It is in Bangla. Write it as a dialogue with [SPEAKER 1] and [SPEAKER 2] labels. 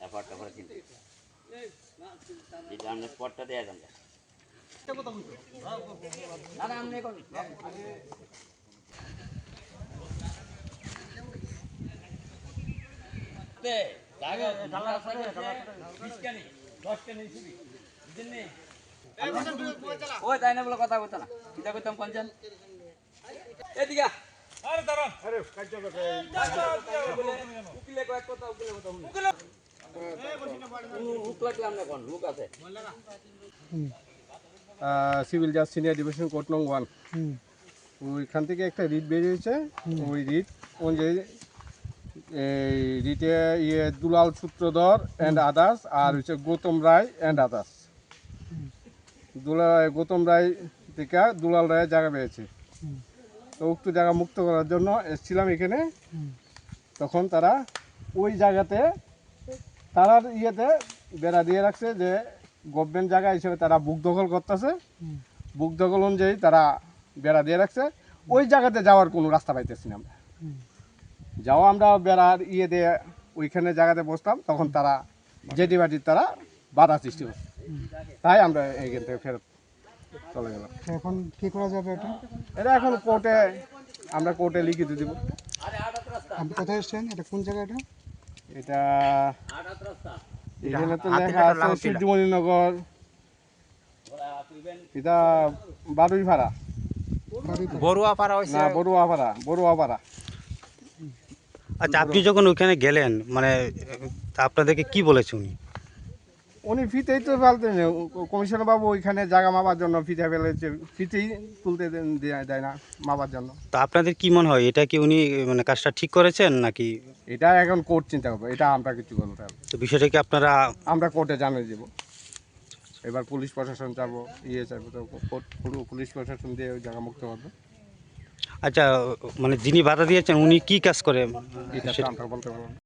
[SPEAKER 1] পটটা করে দিন এই জানলে পটটা দেয়া যাবে না না আমনে কোন তে জায়গা ঢালা আছে 20 কানি 10 কানি শুবি দিনে ওই তাই না বলে কথা কইতা না কিটা কইতাম কোনজন এদিকে আরে দাঁড়ান আরে কাজ করতে উকিলে কয় কথা উকিলে কথা উকিলে লুক লাগলাম না কোন লুক আছে
[SPEAKER 2] সিভিল জাজ সিনিয়র ডিভিশন কোর্ট নং 1 ওইখান থেকে একটা রিট বেরিয়েছে ওই রিট অনুযায়ী এই রিটে দুলাল সূত্রধর অ্যান্ড আদার্স আর হচ্ছে গৌতম রায় অ্যান্ড আদার্স গৌতম রায় থেকে দুলাল রায়ের জায়গা পেয়েছে তো উক্ত জায়গা মুক্ত করার জন্য এসেছিলাম এখানে তখন তারা ওই জায়গাতে তারা বেড়া দিয়ে রাখছে যে গভর্নমেন্ট জায়গা হিসেবে তারা বুক দখল করতেছে বুক দখল অনুযায়ী তারা বেড়া দিয়ে রাখছে ওই জায়গাতে যাওয়ার কোনো রাস্তা পাইতেছি না আমরা যাও আমরা বেড়ার দিয়ে ওইখানে জায়গাতে বসতাম তখন তারা জেটি বাটির তারা বাধা সৃষ্টি করছে তাই আমরা এইখান থেকে ফেরত চলে গেলাম।
[SPEAKER 3] এখন কি করা যাবে
[SPEAKER 2] এটা এখন কোর্টে আমরা কোর্টে লিখিত দিব।
[SPEAKER 3] আপনি কোথায় এসছেন? এটা কোন জায়গা?
[SPEAKER 2] এটা এখানে তো লেখা আছে সূর্যমণিনগর, এটা বারুইপাড়া বড়ুয়াপাড়া।
[SPEAKER 4] আচ্ছা, আপনি যখন ওইখানে গেলেন মানে আপনাদেরকে কি বলেছে
[SPEAKER 2] উনি ফিতেই তো ফেলতেন, কমিশনার বাবু ওইখানে জায়গা মাপার জন্য ফিতে ফেলেছে, ফিতেই তুলতে দেয় না মাপার জন্য।
[SPEAKER 4] তো আপনাদের কি মনে হয় এটা কি উনি মানে কাজটা ঠিক করেছেন নাকি?
[SPEAKER 2] এটা এখন কোর্ট চিন্তা করবো, এটা আমরা কিছু বলতে হবে।
[SPEAKER 4] তো বিষয়টা কি
[SPEAKER 2] আমরা কোর্টে জানিয়ে দেবো, এবার পুলিশ প্রশাসন যাবো চাইবো তো কোর্ট পুলিশ প্রশাসন দিয়ে ওই জায়গা মুক্ত করবে।
[SPEAKER 4] আচ্ছা, মানে যিনি বাধা দিয়েছেন উনি কি কাজ করে
[SPEAKER 2] এটা আমরা বলতে পারবো না।